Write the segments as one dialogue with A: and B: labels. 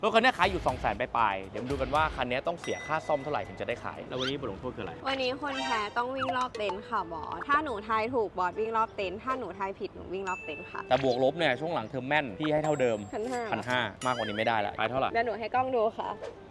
A: รถคันนี้ขายอยู่ 200,000 ปลายๆเดี๋ยวมาดูกันว่าคันนี้ต้องเสียค่าซ่อมเท่าไหร่ถึงจะได้ขายแล้ววันนี้บทลงโทษคืออะไร
B: วันนี้คนแพ้ต้องวิ่งรอบเต็นท์ค่ะบอสถ้าหนูทายถูกบอสวิ่งรอบเต็นท์ถ้าหนูทายผิดหนูวิ่งรอบเต็นท์ค่ะ
A: แต่บวกลบเนี่ยช่วงหลังเทอมแม่นพี่ให้เท่าเดิม
B: 1,500
A: มากกว่านี้ไม่ได้ละไปเท่าไหร่
B: เดี๋ยวหนูให้กล้องดูค่ะ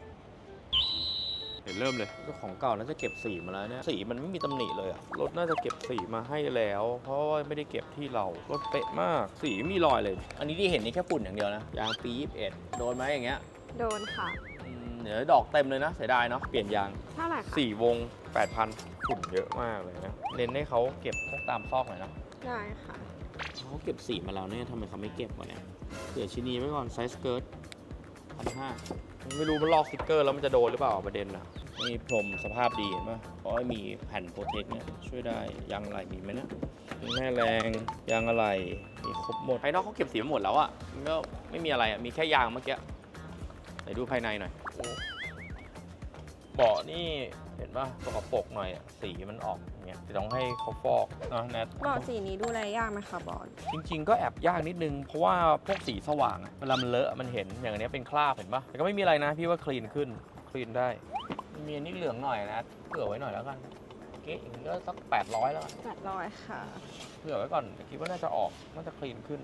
A: เดี๋ยวเริ่มเลยเจ้าของเก่าน่าจะเก็บสีมาแล้วเนี่ยสีมันไม่มีตำหนิเลยอะรถน่าจะเก็บสีมาให้แล้ว เพราะว่าไม่ได้เก็บที่เรารถเป๊ะมากสีไม่มีรอยเลย อันนี้ที่เห็นนี่แค่ฝุ่นอย่างเดียวนะยางปี 21โดนไหมอย่างเงี้ย
B: โดนค่ะ
A: เดี๋ยวดอกเต็มเลยนะเสียดายเนาะเปลี่ยนยาง
B: เท่าไหร่คะ
A: 4 วง 8,000 ฝุ่นเยอะมากเลยนะเน้นให้เขาเก็บพวกตามซอกหน่อยนะ
B: ได้ค่ะ
A: เขาเก็บสีมาแล้วเนี่ยทำไมเขาไม่เก็บวะเนี่ยเผื่อชิ้นนี้ไว้ก่อนไซส์สเกิร์ต1,500ไม่รู้มันลอกสติ๊กเกอร์แล้วมันจะโดนหรือเปล่าประเด็นนะนี่พรมสภาพดีเห็นปะเพราะว่ามีแผ่นโปรเทคเนี่ยช่วยได้ยางอะไรมีไหมนะแม่แรงยางอะไรมีครบหมดภายนอกเขาเก็บสีมาหมดแล้วอะมันก็ไม่มีอะไรอะมีแค่ยางเมื่อกี้ไหนดูภายในหน่อยเบาะนี่เห็นปะสกปรกหน่อยอะสีมันออกอย่างเงี้ยจะต้องให้เขาฟอกนะแนท
B: บอสสีนี้ดูแลยากไหมคะบอส
A: จริงๆก็แอบยากนิดนึงเพราะว่าพวกสีสว่างอะเวลามันเลอะมันเห็นอย่างอันนี้เป็นคราบเห็นปะแต่ก็ไม่มีอะไรนะพี่ว่าคลีนขึ้นคลีนได้มีอันนี้เหลืองหน่อยนะเผื่อไว้หน่อยแล้วกันเก๊ะอย่างนี้ก็สัก800แล้วกัน
B: 800ค่ะ
A: เผื่อไว้ก่อนแต่คิดว่าน่าจะออกน่าจะคลีนขึ้น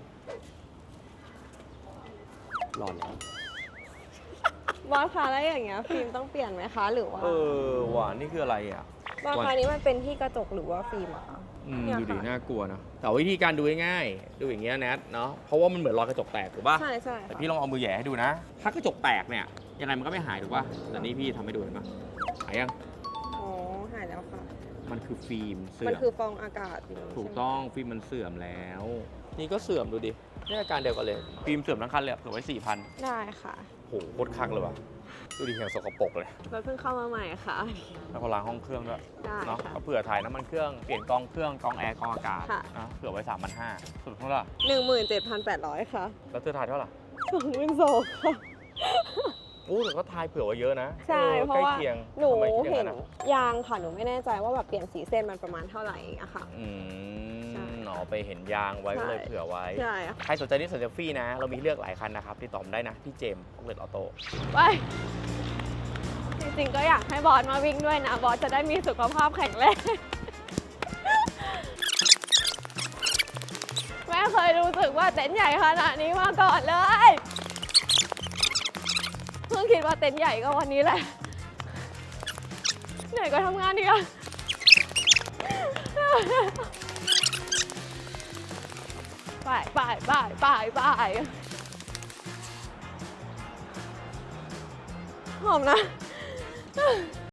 A: หลอนแล้ว
B: บอสคะแล้วอย่างเงี้ยฟิล์มต้องเปลี่ยนไหมคะหรือว่า
A: หวานนี่คืออะไรอ่ะ
B: บอสคะนี้มันเป็นที่กระจกหรือว่าฟิล์มอะคะ เนี่ย
A: ดูดิ
B: ค่ะ
A: น่ากลัวนะแต่วิธีการดูง่ายๆดูอย่างเงี้ยแนทเนาะเพราะว่ามันเหมือนรอยกระจกแตกถูกป่ะ
B: ใช่ใช่
A: แต่
B: ค่ะ
A: พี่ลองเอามือแหย่ให้ดูนะ ถ้ากระจกแตกเนี่ยยังไงมันก็ไม่หายถูกป่ะแต่นี่พี่ทำให้ดูเห็นปะหายยัง
B: อ๋อหายแล้วค่ะ
A: มันคือฟิล์มเสื่
B: มัน
A: อม
B: คือฟองอากาศอย่างนี้
A: ถูก
B: ใช่ไหม
A: ต้องฟิล์มมันเสื่อมแล้ว นี่ก็เสื่อมดูดินี่อาการเดียวกันเลยฟิล์มเสื่อมทั้งคันเลยเผื่อไว้ 4,000
B: ได้ค่ะ
A: โหโคตรคักเลยว่ะดูดิอย่างสกปรกเลย
B: รถเพิ่งเข้ามาใหม่ค่ะ
A: แล้วก็ล้างห้องเครื่องด้วย
B: ได้
A: เนาะ
B: ค่ะ
A: ก็เผื่อถ่ายน้ำมันเครื่องเปลี่ยนกองเครื่องกองแอร์กองอากาศ
B: ค่ะ
A: นะเผื่อไว้ 3,500สุดเท่าไหร่
B: 17,800 ค่ะ
A: แล้วเธอถ่ายเท่าไหร่
B: 22,000ค่ะ
A: อู้แต่ก็ทายเผื่อไว้เยอะนะ
B: ใช่ เพราะว่า
A: ใกล้คียง
B: หนู
A: ทำไมคิดอย่า
B: เห็
A: ง
B: น
A: อะ
B: ยางค่ะ หนูไม่แน่ใจว่าแบบเปลี่ยนสีเส้นมันประมาณเท่าไหร่อะค่ะ ใช่
A: หนอไปเห็นยางไว้ก็เลย
B: ใช่
A: เผื่อไว้
B: ใช่ค่ะ
A: ใครสนใจนี่สนใจฟรีนะ เรามีให้เลือกหลายคันนะครับติดต่อผมได้นะที่เจมส์ออกเลตออโต้
B: ไปจริงๆก็อยากให้บอสมาวิ่งด้วยนะ บอสจะได้มีสุขภาพแข็งแรง ไม่เคยรู้สึกว่าเต็นท์ใหญ่ขนาดนี้มาก่อนเลย เพิ่งคิดว่าเต็นท์ใหญ่ก็วันนี้แหละ เหนื่อยก็ทำงานดีกว่าไปหอมนะ